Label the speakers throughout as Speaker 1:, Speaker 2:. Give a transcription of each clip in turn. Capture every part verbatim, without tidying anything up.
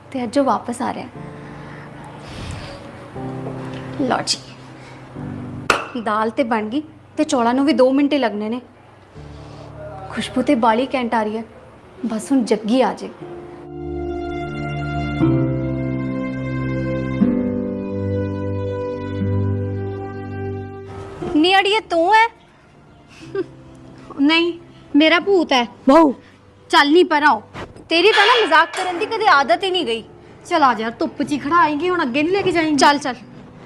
Speaker 1: ਤੇ ਅੱਜ ਉਹ ਵਾਪਸ ਆ ਰਿਹਾ। ਲਓ ਜੀ, ਦਾਲ ਤੇ ਬਣ ਗਈ ਤੇ ਚੌਲਾਂ ਨੂੰ ਵੀ दो ਮਿੰਟ ਹੀ ਲੱਗਣੇ ਨੇ। ਖੁਸ਼ਬੂ ਤੇ ਬਾਲੀ ਘੈਂਟ ਆ ਰਹੀ ਹੈ, ਬਸ ਹੁਣ ਜੱਗੀ ਆ ਜੇ। ਨੀ ਅੜੀਏ ਤੂੰ ਹੈ? ਨਹੀਂ, ਮੇਰਾ ਭੂਤ ਹੈ। ਵਾਓ, ਚੱਲ ਨਹੀਂ ਪਰ ਆਓ। तेरी तो ना मजाक करने की कदे आदत ही नहीं गई। चल आ जा, धुप च खड़ा आएंगे हुण, अगे नहीं लेके जाएंगे। चल चल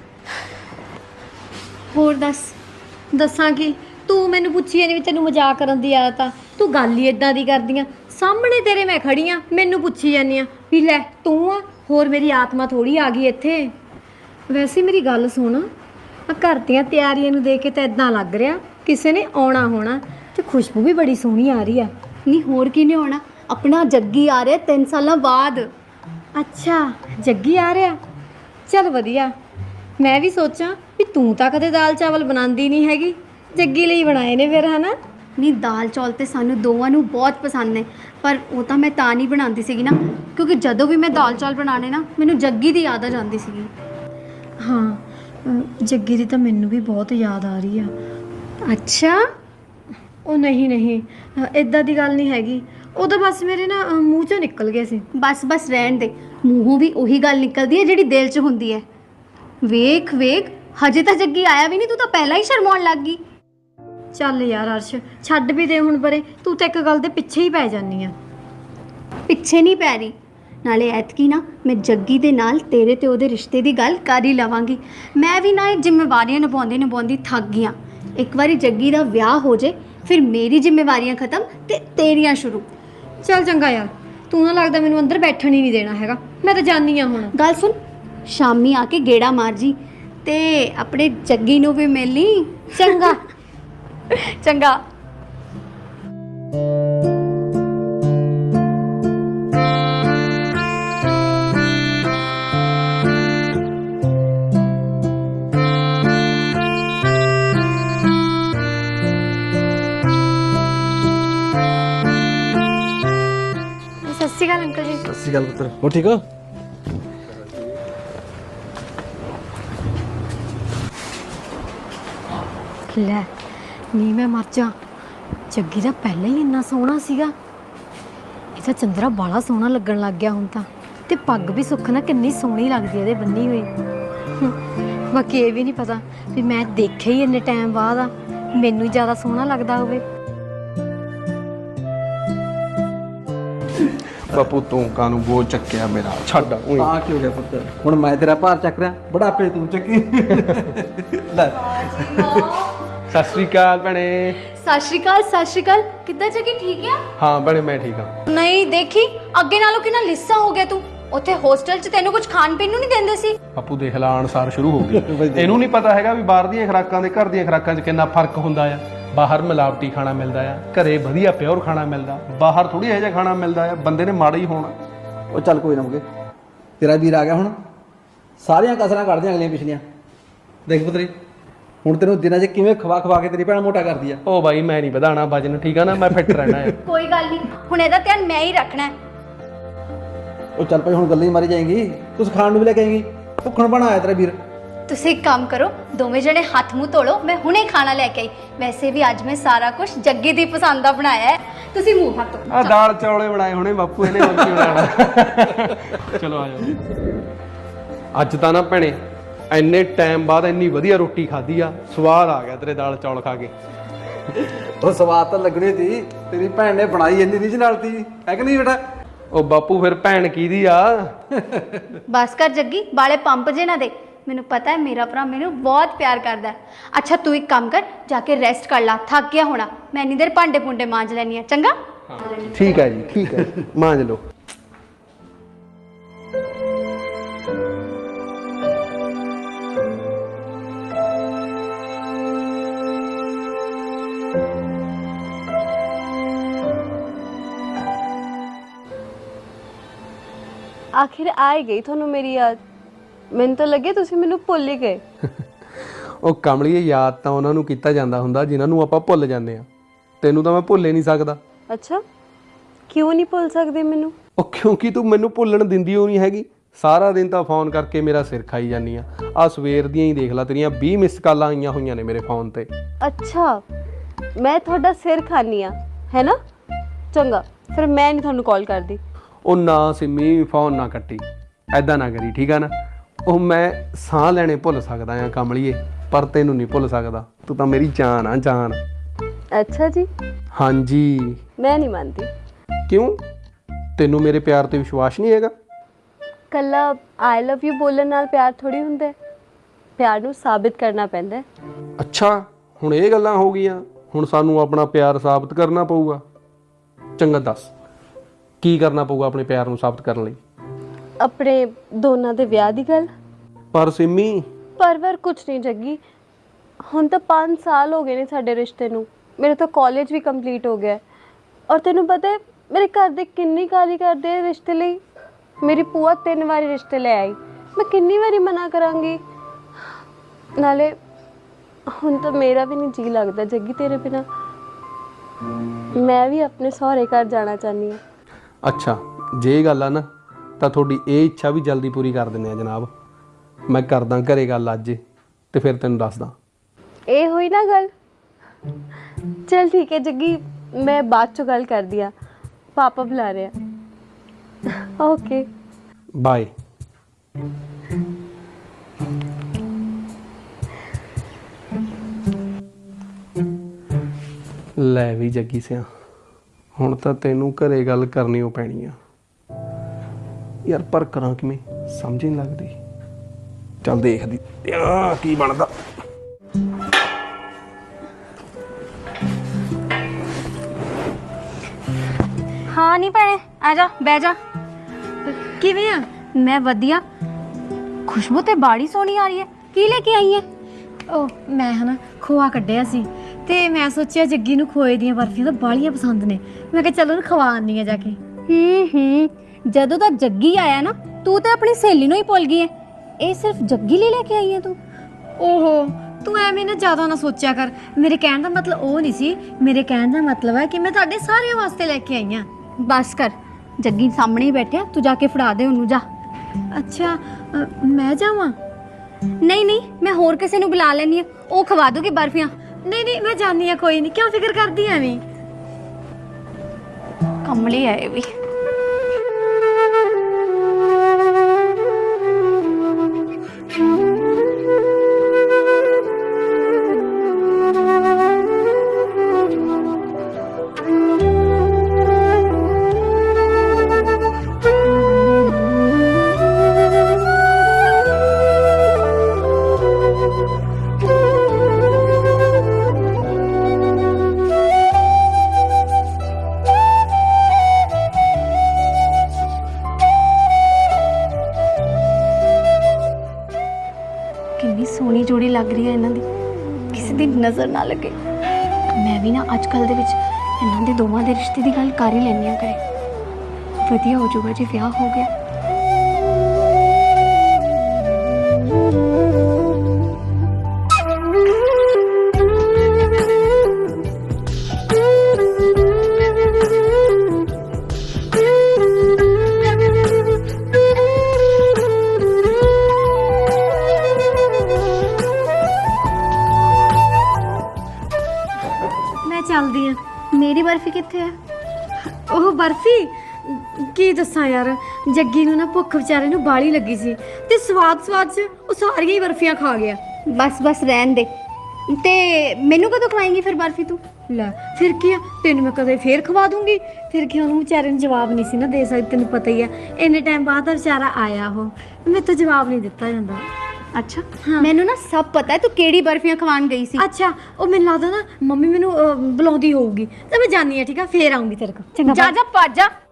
Speaker 1: होर दस।
Speaker 2: दसा कि तू मैनू पुछी नहीं भी तेनू मजाक करन दी आदत आ, तू गल ही इदां दी करदी आ। सामने तेरे मैं खड़ी आ, मैनू पुछी जानी आ भी लै तू आ, होर मेरी आत्मा थोड़ी आ गई इत्थे। वैसे मेरी गल सुन, आ घर दियां तैयारियां नू देख के तो इदां लग रहा किसी ने आउणा होना, ते खुशबू भी बड़ी सोहनी आ रही है।
Speaker 1: नहीं होर किने आउणा, अपना जग्गी आ रहा तीन साल बाद।
Speaker 2: अच्छा जग्गी आ रहा, चल वधिया। मैं भी सोचा भी तू तो कदे दाल चावल बनाती नहीं हैगी, जग्गी लई बनाए ने फिर, है ना?
Speaker 1: नहीं दाल चौल तो सानू दोवां नू बहुत पसंद ने, पर वो तो मैं तां नहीं बनाती सी ना, क्योंकि जदों भी मैं दाल चौल बनाने ना मैनू जग्गी दी याद आ जाती सी।
Speaker 2: हाँ जग्गी दी तो मैनू भी बहुत याद आ रही है।
Speaker 1: अच्छा
Speaker 2: ਉਹ नहीं नहीं इदां दी गल नहीं हैगी, ਉਹ ਤਾਂ बस मेरे ना मूँह चों निकल गए सी।
Speaker 1: बस बस रहन दे, मूँहों भी उही गल निकलती है जिहड़ी दिल च हुंदी है। वेख वेख हजे तो जग्गी आया भी नहीं, तू तो पहला ही शर्माउण लग गई।
Speaker 2: ਚੱਲ यार अर्श छड्ड भी दे हुण परे, तू तो एक गल दे पिछे ही पै जानी आ।
Speaker 1: पिछे नहीं पै रही, नाले ऐतकी ना मैं जग्गी दे नाल तेरे ते ओहदे रिश्ते दी गल कर ही लवांगी। मैं भी ना जिम्मेवारियां निभाउंदी निभाउंदी थक गई। एक बारी जग्गी दा विआह हो जाए, फिर मेरी जिम्मेवारियां खत्म ते तेरियां शुरू।
Speaker 2: चल चंगा यार, तू ना लगदा मैनू अंदर बैठण ही नहीं देना हैगा, मैं तो जानी आ हुण।
Speaker 1: गल सुन, शामी आके गेड़ा मार जी ते अपने जग्गी नू भी मिल ली। चंगा चंगा। सत श्री अकाल अंकल जी।
Speaker 3: सत श्री अकाल पुत्र, हो ठीक हो?
Speaker 2: ਲੈ ਨੀ ਮੈਂ ਮਰ ਜਾ, ਜੱਗੀ ਦਾ ਪਹਿਲਾਂ ਹੀ ਇੰਨਾ ਸੋਹਣਾ ਸੀਗਾ, ਇਹ ਤਾਂ ਚੰਦਰਾ ਬਾਲਾ ਸੋਹਣਾ ਲੱਗਣ ਲੱਗ ਗਿਆ ਹੁਣ ਤਾਂ। ਤੇ ਪੱਗ ਵੀ ਸੁੱਖ ਨਾ ਕਿੰਨੀ ਸੋਹਣੀ ਲੱਗਦੀ ਇਹਦੇ ਬੰਨੀ ਹੋਈ। ਬਾਕੀ ਇਹ ਵੀ ਨਹੀਂ ਪਤਾ ਵੀ ਮੈਂ ਦੇਖਿਆ ਹੀ ਇੰਨੇ ਟਾਈਮ ਬਾਅਦ ਆ, ਮੈਨੂੰ ਜ਼ਿਆਦਾ ਸੋਹਣਾ ਲੱਗਦਾ ਹੋਵੇ।
Speaker 3: ਬਾਪੂ ਤੂੰ ਕਾਨੂੰ ਬੋਝ ਚੱਕਿਆ ਮੇਰਾ, ਛੱਡ ਓਏ।
Speaker 4: ਆ ਕੀ ਹੋ ਗਿਆ ਪੁੱਤ, ਹੁਣ ਮੈਂ ਤੇਰਾ ਭਾਰ ਚੱਕ ਰਿਹਾ, ਬੁਢਾਪੇ ਤੂੰ ਚੱਕੀ। ਲੈ
Speaker 3: ਸਤਿ ਸ਼੍ਰੀ ਅਕਾਲ ਭੈਣੇ।
Speaker 1: सत श्री अकाल सत श्री अकाल। किद्दां जग्गी ठीक है?
Speaker 3: ਹਾਂ ਭੈਣੇ ਮੈਂ ਠੀਕ ਹਾਂ।
Speaker 1: नहीं देखी अगे नालों कितना लिस्सा हो गया तू। ਉੱਥੇ ਹੋਸਟਲ 'ਚ ਤੈਨੂੰ ਕੁਝ ਖਾਣ ਪੀਣ ਨੂੰ ਨਹੀਂ ਦਿੰਦੇ ਸੀ?
Speaker 3: ਬਾਪੂ ਦੇਖ ਲਾ ਅਨਸਾਰ ਸ਼ੁਰੂ ਹੋ ਗਈ। ਇਹਨੂੰ ਨਹੀਂ ਪਤਾ ਹੈਗਾ ਵੀ ਬਾਹਰ ਦੀਆਂ ਖੁਰਾਕਾਂ ਦੇ ਘਰ ਦੀਆਂ ਖੁਰਾਕਾਂ 'ਚ ਕਿੰਨਾ ਫਰਕ ਹੁੰਦਾ ਆ। ਬਾਹਰ ਮਿਲਾਵਟੀ ਖਾਣਾ ਮਿਲਦਾ ਆ, ਘਰੇ ਵਧੀਆ ਪਿਓਰ ਖਾਣਾ ਮਿਲਦਾ, ਬਾਹਰ ਥੋੜੀ ਇਹੋ ਜਿਹਾ ਖਾਣਾ ਮਿਲਦਾ ਆ। ਬੰਦੇ ਨੇ ਮਾੜਾ ਹੀ ਹੋਣਾ।
Speaker 4: ਉਹ ਚੱਲ ਕੋਈ ਨਾ ਮੁਕੇ, ਤੇਰਾ ਵੀਰ ਆ ਗਿਆ ਹੁਣ, ਸਾਰੀਆਂ ਕਸਰਾਂ ਕੱਢਦੀਆਂ ਅਗਲੀਆਂ ਪਿਛਲੀਆਂ। ਦੇਖ ਪੁੱਤਰੀ ਹੁਣ ਤੈਨੂੰ ਦਿਨਾਂ 'ਚ ਕਿਵੇਂ ਖਵਾ ਖਵਾ ਕੇ ਤੇਰੀ ਭੈਣ ਮੋਟਾ ਕਰਦੀ ਆ।
Speaker 3: ਉਹ ਬਾਈ ਮੈਂ ਨਹੀਂ ਵਧਾਣਾ ਵਜਨ, ਠੀਕ ਆ ਨਾ, ਮੈਂ ਫਿੱਟ ਰਹਿਣਾ ਆ।
Speaker 1: ਕੋਈ ਗੱਲ ਨਹੀਂ, ਹੁਣ ਇਹਦਾ ਧਿਆਨ ਮੈਂ ਹੀ ਰੱਖਣਾ ਹੈ।
Speaker 4: ਉਹ ਚੱਲ ਭਾਈ ਹੁਣ ਗੱਲਾਂ ਹੀ ਮਾਰੀ ਜਾਏਗੀ, ਕੁਛ ਖਾਣ ਨੂੰ ਵੀ ਲੈ ਕੇ ਆਏਗੀ, ਭੁੱਖਣ ਬਣਾ ਆਇਆ ਤੇਰਾ ਵੀਰ।
Speaker 1: ਤੁਸੀਂ ਇੱਕ ਕੰਮ ਕਰੋ, ਦੋਵੇਂ ਜਣੇ ਹੱਥ ਮੂੰਹ ਧੋ ਲਓ, ਮੈਂ ਹੁਣੇ ਖਾਣਾ ਲੈ ਕੇ ਆਈ। ਵੈਸੇ ਵੀ ਅੱਜ ਮੈਂ ਸਾਰਾ ਕੁਝ ਜੱਗੀ ਦੀ ਪਸੰਦ ਦਾ ਬਣਾਇਆ ਹੈ, ਤੁਸੀਂ ਮੂੰਹ ਹੱਥ ਧੋ।
Speaker 3: ਆ ਦਾਲ ਚੌਲੇ ਬਣਾਏ ਹੋਣੇ ਬਾਪੂ ਇਹਨੇ, ਹੋਰ ਕੀ ਬਣਾਉਣਾ। ਚਲੋ ਆ ਜਾਓ। ਅੱਜ ਤਾਂ ਨਾ ਭੈਣੇ ਇੰਨੇ ਟਾਈਮ ਬਾਅਦ ਇੰਨੀ ਵਧੀਆ ਰੋਟੀ ਖਾਧੀ ਆ, ਸਵਾਦ ਆ ਗਿਆ ਤੇਰੇ ਦਾਲ ਚੌਲ ਖਾ ਕੇ।
Speaker 4: ਉਹ ਸਵਾਦ ਤਾਂ ਲੱਗਣੀ ਸੀ, ਤੇਰੀ ਭੈਣ ਨੇ ਬਣਾਈ ਇੰਨੀ ਰੀਝ ਨਾਲ ਤੀ, ਹੈ ਕਿ ਨਹੀਂ ਬੇਟਾ?
Speaker 3: ਉਹ ਬਾਪੂ ਫਿਰ ਭੈਣ ਕਿਹਦੀ ਆ?
Speaker 1: ਬਸ ਕਰ ਜੱਗੀ, ਬਾਲੇ ਪੰਪ ਜੇ ਨਾ ਦੇ। ਮੈਨੂੰ ਪਤਾ ਹੈ ਮੇਰਾ ਭਰਾ ਮੈਨੂੰ ਬਹੁਤ ਪਿਆਰ ਕਰਦਾ ਹੈ। ਅੱਛਾ ਤੂੰ ਇੱਕ ਕੰਮ ਕਰ, ਜਾ ਕੇ ਰੈਸਟ ਕਰ ਲਾ, ਥੱਕ ਗਿਆ ਹੋਣਾ। ਮੈਂ ਇੰਨੀ ਦੇਰ ਭਾਂਡੇ ਭੁੰਡੇ ਮਾਂਜ ਲੈਣੀ ਆ, ਚੰਗਾ?
Speaker 3: ਠੀਕ ਹੈ ਜੀ, ਠੀਕ ਹੈ, ਮਾਂਜ ਲਓ।
Speaker 5: आखिर आ ही गई थोनू मेरी याद। मैंने तो लगे तुसी मैनू भुल ही गए।
Speaker 3: ਉਹ ਕਮਲੀਏ ਯਾਦ ਤਾਂ ਉਹਨਾਂ ਨੂੰ ਕੀਤਾ ਜਾਂਦਾ ਹੁੰਦਾ ਜਿਨ੍ਹਾਂ ਨੂੰ ਆਪਾਂ ਭੁੱਲ ਜਾਂਦੇ ਆ। ਤੈਨੂੰ ਤਾਂ ਮੈਂ ਭੁੱਲ ਹੀ ਨਹੀਂ ਸਕਦਾ।
Speaker 5: अच्छा ਕਿਉਂ ਨਹੀਂ ਭੁੱਲ ਸਕਦੇ ਮੈਨੂੰ?
Speaker 3: ਉਹ ਕਿਉਂਕਿ ਤੂੰ ਮੈਨੂੰ ਭੁੱਲਣ ਦਿੰਦੀ ਹੋ ਨਹੀਂ ਹੈਗੀ। ਸਾਰਾ ਦਿਨ ਤਾਂ ਫੋਨ ਕਰਕੇ ਮੇਰਾ ਸਿਰ ਖਾਈ ਜਾਂਦੀ ਆ। ਆ ਸਵੇਰ ਦੀਆਂ ਹੀ ਦੇਖ ਲੈ, ਤੇਰੀਆਂ ਵੀਹ ਮਿਸ ਕਾਲਾਂ ਆਈਆਂ ਹੋਈਆਂ ਨੇ ਮੇਰੇ ਫੋਨ ਤੇ।
Speaker 5: ਅੱਛਾ, ਮੈਂ ਤੁਹਾਡਾ ਸਿਰ ਖਾਨੀ ਆ, ਹੈ ਨਾ? ਚੰਗਾ, ਫਿਰ ਮੈਂ ਨਹੀਂ ਤੁਹਾਨੂੰ ਕਾਲ ਕਰਦੀ।
Speaker 3: ਉਹ ਨਾ ਸਿੰਮੀ, ਫੋਨ ਨਾ ਕੱਟੀ, ਐਦਾਂ ਨਾ ਕਰੀ, ਠੀਕ ਆ ਨਾ? ਉਹ ਮੈਂ ਸਾਹ ਲੈਣੇ ਭੁੱਲ ਸਕਦਾ ਆ ਕਮਲੀਏ, ਪਰ ਤੈਨੂੰ ਨਹੀਂ ਭੁੱਲ ਸਕਦਾ। ਤੂੰ ਤਾਂ ਮੇਰੀ ਜਾਨ ਆ, ਜਾਨ।
Speaker 5: ਅੱਛਾ ਜੀ,
Speaker 3: ਹਾਂਜੀ।
Speaker 5: ਮੈਂ ਨਹੀਂ ਮੰਨਦੀ।
Speaker 3: ਕਿਉਂ? ਤੈਨੂੰ ਮੇਰੇ ਪਿਆਰ ਤੇ ਵਿਸ਼ਵਾਸ ਨਹੀਂ ਹੈਗਾ?
Speaker 5: ਕੱਲਾ ਆਈ ਲਵ ਯੂ ਬੋਲਣ ਨਾਲ ਪਿਆਰ ਥੋੜੀ ਹੁੰਦਾ ਹੈ। ਪਿਆਰ ਨੂੰ ਸਾਬਿਤ ਕਰਨਾ ਪੈਂਦਾ ਹੈ।
Speaker 3: ਅੱਛਾ, ਹੁਣ ਇਹ ਗੱਲਾਂ ਹੋ ਗਈਆਂ। ਹੁਣ ਸਾਨੂੰ ਆਪਣਾ ਪਿਆਰ ਸਾਬਤ ਕਰਨਾ ਪਊਗਾ। ਚੰਗਾ ਦੱਸ, ਕੀ ਕਰਨਾ ਪਊਗਾ ਆਪਣੇ ਪਿਆਰ ਨੂੰ ਸਾਬਤ ਕਰਨ ਲਈ?
Speaker 5: ਆਪਣੇ ਦੋਨਾਂ ਦੇ ਵਿਆਹ ਦੀ ਗੱਲ।
Speaker 3: ਪਰ ਸਿੰਮੀ,
Speaker 5: ਪਰ ਵਰ ਕੁਛ ਨਹੀਂ ਜੱਗੀ, ਹੁਣ ਤਾਂ ਪੰਜ ਸਾਲ ਹੋ ਗਏ ਨੇ ਸਾਡੇ ਰਿਸ਼ਤੇ ਨੂੰ। ਮੇਰੇ ਤਾਂ ਕਾਲਜ ਵੀ ਕੰਪਲੀਟ ਹੋ ਗਿਆ ਔਰ ਤੈਨੂੰ ਪਤਾ ਹੈ ਮੇਰੇ ਘਰ ਦੇ ਕਿੰਨੀ ਗਾਲੀ ਕਰਦੇ ਆ ਰਿਸ਼ਤੇ ਲਈ। ਮੇਰੀ ਭੂਆ ਤਿੰਨ ਵਾਰੀ ਰਿਸ਼ਤੇ ਲੈ ਆਈ, ਮੈਂ ਕਿੰਨੀ ਵਾਰੀ ਮਨਾ ਕਰਾਂਗੀ। ਨਾਲੇ ਹੁਣ ਤਾਂ ਮੇਰਾ ਵੀ ਨਹੀਂ ਜੀ ਲੱਗਦਾ ਜੱਗੀ ਤੇਰੇ ਬਿਨਾ। ਮੈਂ ਵੀ ਆਪਣੇ ਸਹੁਰੇ ਘਰ ਜਾਣਾ ਚਾਹੁੰਦੀ ਹਾਂ।
Speaker 3: ਅੱਛਾ ਜੇ ਇਹ ਗੱਲ ਆ ਨਾ, ਤਾਂ ਤੁਹਾਡੀ ਇਹ ਇੱਛਾ ਵੀ ਜਲਦੀ ਪੂਰੀ ਕਰ ਦਿੰਦੇ ਆ ਜਨਾਬ। ਮੈਂ ਕਰਦਾ ਘਰੇ ਗੱਲ ਅੱਜ, ਤੇ ਫਿਰ ਤੈਨੂੰ ਦੱਸਦਾ।
Speaker 5: ਇਹ ਹੋਈ ਨਾ ਗੱਲ। ਚਲ ਠੀਕ ਹੈ ਜੱਗੀ, ਮੈਂ ਬਾਅਦ ਚੋਂ ਗੱਲ ਕਰਦੀ ਆ, ਪਾਪਾ ਬੁਲਾ ਰਿਹਾ। Okay
Speaker 3: bye. ਲੈ ਵੀ ਜੱਗੀ ਸਿਆ, ਹੁਣ ਤਾਂ ਤੈਨੂੰ ਘਰੇ ਗੱਲ ਕਰਨੀ ਓ ਪੈਣੀ ਆ ਯਾਰ, ਪਰ ਕਰਾਂ ਕਿਵੇਂ ਸਮਝ ਨਹੀਂ ਲੱਗਦੀ। ਚੱਲ ਦੇਖਦੀ ਆ ਕੀ ਬਣਦਾ।
Speaker 2: ਹਾਂ ਨਹੀਂ ਭੈਣੇ, ਆ ਜਾ ਬਹਿ ਜਾ। ਕਿਵੇਂ ਆ?
Speaker 1: ਮੈਂ ਵਧੀਆ। ਖੁਸ਼ਬੂ ਤੇ ਬਾੜੀ ਸੋਹਣੀ ਆ ਰਹੀ ਹੈ। ਕੀ ਲੈ ਕੇ ਆਈ ਹੈ?
Speaker 2: ਉਹ ਮੈਂ ਹਨਾ ਖੋਆ ਕੱਢਿਆ ਸੀ ਤੇ ਮੈਂ ਸੋਚਿਆ ਜੱਗੀ ਨੂੰ ਖੋਏ ਦੀਆਂ ਬਰਫੀਆਂ ਤਾਂ ਬਾਹਲੀਆਂ ਪਸੰਦ ਨੇ। ਮੈਂ ਕਿਹਾ ਚਲੋ ਉਹਨੂੰ ਖਵਾ ਆਉਂਦੀ ਆ ਜਾ ਕੇ।
Speaker 1: ਹੂੰ ਹੂੰ ਜਦੋਂ ਦਾ ਜੱਗੀ ਆਇਆ ਨਾ, ਤੂੰ ਤਾਂ ਆਪਣੀ ਸਹੇਲੀ ਨੂੰ ਹੀ ਭੁੱਲ ਗਈ ਹੈ। ਇਹ ਸਿਰਫ ਜੱਗੀ ਲਈ ਲੈ ਕੇ ਆਈ ਹੈ ਤੂੰ?
Speaker 2: ਓਹੋ, ਤੂੰ ਐਵੇਂ ਨਾ ਜ਼ਿਆਦਾ ਨਾ ਸੋਚਿਆ ਕਰ। ਮੇਰੇ ਕਹਿਣ ਦਾ ਮਤਲਬ ਉਹ ਨਹੀਂ ਸੀ। ਮੇਰੇ ਕਹਿਣ ਦਾ ਮਤਲਬ ਹੈ ਕਿ ਮੈਂ ਤੁਹਾਡੇ ਸਾਰਿਆਂ ਵਾਸਤੇ ਲੈ ਕੇ ਆਈ ਹਾਂ।
Speaker 1: ਬਸ ਕਰ, ਜੱਗੀ ਸਾਹਮਣੇ ਹੀ ਬੈਠਿਆ, ਤੂੰ ਜਾ ਕੇ ਫੜਾ ਦੇ ਉਹਨੂੰ, ਜਾ।
Speaker 2: ਅੱਛਾ, ਅ, ਮੈਂ ਜਾਵਾਂ?
Speaker 1: ਨਹੀਂ ਨਹੀਂ, ਮੈਂ ਹੋਰ ਕਿਸੇ ਨੂੰ ਬੁਲਾ ਲੈਣੀ ਆ, ਉਹ ਖਵਾ ਦੂਗੀ ਬਰਫੀਆਂ।
Speaker 2: ਨਹੀਂ ਨਹੀਂ, ਮੈਂ ਜਾਣੀ ਆ, ਕੋਈ ਨਹੀਂ। ਕਿਉਂ ਫਿਕਰ ਕਰਦੀ ਐਵੇਂ?
Speaker 1: ਕਮਲੀ ਹੈ ਇਹ ਵੀ। ਕਿੰਨੀ ਸੋਹਣੀ ਜੋੜੀ ਲੱਗ ਰਹੀ ਹੈ ਇਹਨਾਂ ਦੀ, ਕਿਸੇ ਦੀ ਨਜ਼ਰ ਨਾ ਲੱਗੇ। ਮੈਂ ਵੀ ਨਾ ਅੱਜ ਕੱਲ੍ਹ ਦੇ ਵਿੱਚ ਇਹਨਾਂ ਦੇ ਦੋਵਾਂ ਦੇ ਰਿਸ਼ਤੇ ਦੀ ਗੱਲ ਕਰ ਹੀ ਲੈਂਦੀ ਹਾਂ ਕਰੇ। ਵਧੀਆ ਹੋ ਜਾਊਗਾ ਜੇ ਵਿਆਹ ਹੋ ਗਿਆ।
Speaker 2: ਚੱਲਦੀ ਆ।
Speaker 1: ਮੇਰੀ ਬਰਫੀ ਕਿੱਥੇ ਹੈ?
Speaker 2: ਉਹ ਬਰਫੀ ਕੀ ਦੱਸਾਂ ਯਾਰ, ਜੱਗੀ ਨੂੰ ਨਾ ਭੁੱਖ ਵਿਚਾਰੇ ਨੂੰ ਬਾਲੀ ਲੱਗੀ ਸੀ ਤੇ ਸਵਾਦ ਸਵਾਦ 'ਚ ਉਹ ਸਾਰੀਆਂ ਹੀ ਬਰਫੀਆਂ ਖਾ ਗਿਆ।
Speaker 1: ਬਸ ਬਸ ਰਹਿਣ ਦੇ। ਤੇ ਮੈਨੂੰ ਕਦੋਂ ਖਵਾਏਂਗੀ ਫਿਰ ਬਰਫੀ ਤੂੰ?
Speaker 2: ਲੈ ਫਿਰ ਕੀ ਆ, ਤੈਨੂੰ ਮੈਂ ਕਦੇ ਫੇਰ ਖਵਾ ਦੂੰਗੀ। ਫਿਰ ਕੀ, ਉਹਨੂੰ ਵਿਚਾਰੇ ਨੂੰ ਜਵਾਬ ਨਹੀਂ ਸੀ ਨਾ ਦੇ ਸਕਦੀ। ਤੈਨੂੰ ਪਤਾ ਹੀ ਆ, ਇੰਨੇ ਟਾਈਮ ਬਾਅਦ ਦਾ ਵਿਚਾਰਾ ਆਇਆ, ਉਹ ਮੇਰੇ ਤੋਂ ਜਵਾਬ ਨਹੀਂ ਦਿੱਤਾ ਜਾਂਦਾ।
Speaker 1: ਅੱਛਾ, ਮੈਨੂੰ ਨਾ ਸਭ ਪਤਾ ਹੈ ਤੂੰ ਕਿਹੜੀ ਬਰਫੀਆਂ ਖਵਾਉਣ ਗਈ ਸੀ।
Speaker 2: ਅੱਛਾ, ਉਹ ਮੈਨੂੰ ਲੱਗਦਾ ਨਾ ਮੰਮੀ ਮੈਨੂੰ ਅਹ, ਬੁਲਾਉਂਦੀ ਹੋਊਗੀ ਤੇ ਮੈਂ ਜਾਣੀ ਆ। ਠੀਕ ਆ, ਫੇਰ ਆਉਂਗੀ ਤੇਰੇ ਕੋਲ।
Speaker 1: ਜਾ ਜਾ ਭੱਜ ਜਾ।